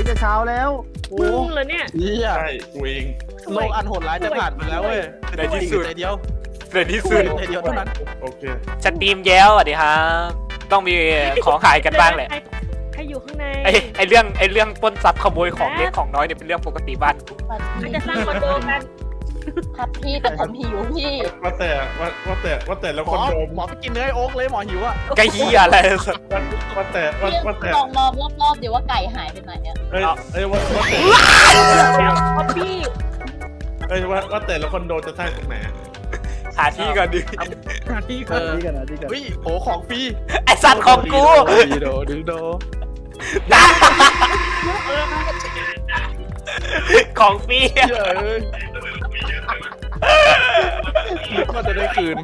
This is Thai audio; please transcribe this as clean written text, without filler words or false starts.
จะเช้าแล้วโอ้มึงเหรอเนี่ยเหี้ยใช่กูเองโลกอันโหดร้ายจะผ่านไปแล้วเว้ยในที่สุดใจเดียวในที่สุดใจเดียวเท่านั้นโอเคสตรีมแย้วสวัสดีครับต้องมีของขายกันบ้างแหละใครอยู่ข้างในไอเรื่องปล้นทรัพย์ขโมยของเล็กของน้อยเนี่ยเป็นเรื่องปกติบ้านกูอาจจะสร้างคอนโดกันครับพี่แต่ผมหิวพี่ว่าแต่แล้วหมคอนโดมหมอไปกินเนื้อไอ้โอ๊กเลยหมอหิวอ่ะไก่เหี้ยอะไรว่าแต่พี่ลองมองรอบๆเดี๋ยวว่าไก่หายไปไหนเนี่ยเอ้ยว่าแต่ป๊อปปี้เอ้ยว่าแต่แล้วคอนโดจะสร้างตรงไหนหาที่ก่อนดิที่กันที่กันที่กันเฮ้ยโอ้ของฟรีไอสัตว์ของกูดีโดดีโดของฟรีเหี้ยเอ้ยก็จะได้คืน